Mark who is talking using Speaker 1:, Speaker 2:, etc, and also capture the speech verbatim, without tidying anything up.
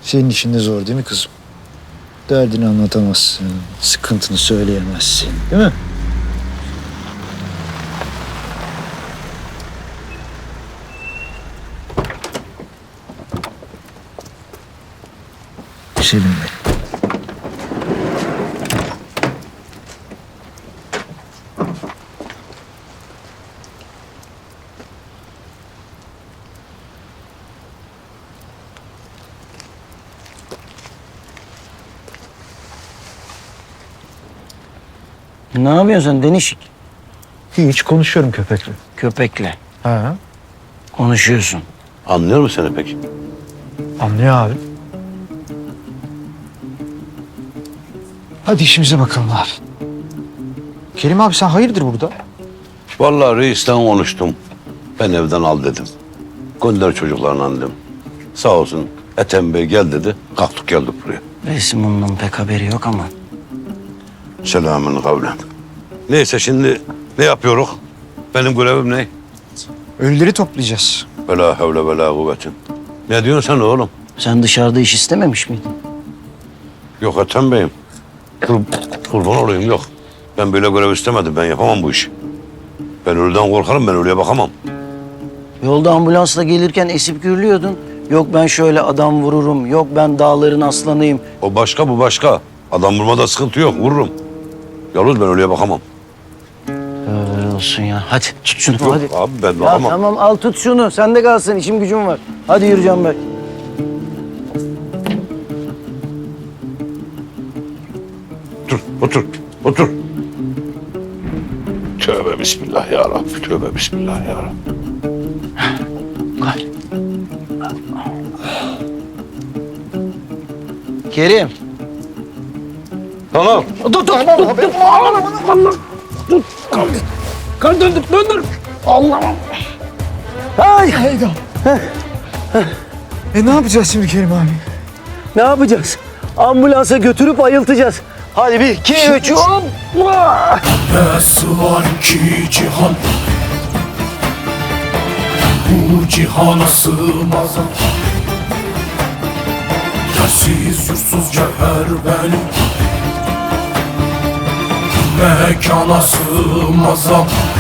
Speaker 1: Senin işin de zor değil mi kızım? Derdini anlatamazsın, sıkıntını söyleyemezsin, değil mi? Selim Bey.
Speaker 2: Ne yapıyorsun sen Denişik?
Speaker 1: Hiç konuşuyorum köpekle.
Speaker 2: Köpekle
Speaker 1: Ha?
Speaker 2: konuşuyorsun.
Speaker 3: Anlıyor musun seni peki?
Speaker 1: Anlıyor abi. Hadi işimize bakalım abi. Kerim abi sen hayırdır burada?
Speaker 3: Vallahi reisten konuştum. Ben evden al dedim. Gönder çocuklarla dedim. Sağ olsun Ethem Bey gel dedi. Kalktık geldik buraya.
Speaker 2: Reisim ondan pek haberi yok ama.
Speaker 3: Selamün kavlen. Neyse şimdi ne yapıyoruz? Benim görevim ne?
Speaker 1: Ölüleri toplayacağız.
Speaker 3: Vela havle vela kuvvetin. Ne diyorsun sen oğlum?
Speaker 2: Sen dışarıda iş istememiş miydin?
Speaker 3: Yok Ethem Bey'im. Kur, kurban olayım yok. Ben böyle görev istemedim. Ben yapamam bu işi. Ben ölüden korkarım. Ben ölüye bakamam.
Speaker 2: Yolda ambulansla gelirken esip gürlüyordun. Yok ben şöyle adam vururum, yok ben dağların aslanıyım.
Speaker 3: O başka bu başka. Adam vurmada sıkıntı yok. Vururum. Yalnız ben ölüye bakamam.
Speaker 2: Öyle olsun ya. Hadi tut şunu
Speaker 3: Yok
Speaker 2: hadi.
Speaker 3: abi ben
Speaker 2: Ya
Speaker 3: bakamam.
Speaker 2: tamam al tut şunu. Sen de kalsın işim gücüm var. Hadi yürü Canberk.
Speaker 3: Otur, otur, otur. Tövbe bismillah ya Rabbi. Tövbe bismillah ya Rabbi.
Speaker 2: Gel. Kerim.
Speaker 3: Tamam.
Speaker 2: Dur dur dur. Dur. Allah. Dur. Kan döndür döndür. Allah. Ay.
Speaker 1: Hayda. E ne yapacağız şimdi Kerim abi?
Speaker 2: Ne yapacağız? Ambulansa götürüp ayıltacağız. Hadi bir, iki, üç, hop!
Speaker 4: Nasıl var ki cihan, bu cihana sığmaz. Yersiz yursuz cevher benim, mekana sığmaz.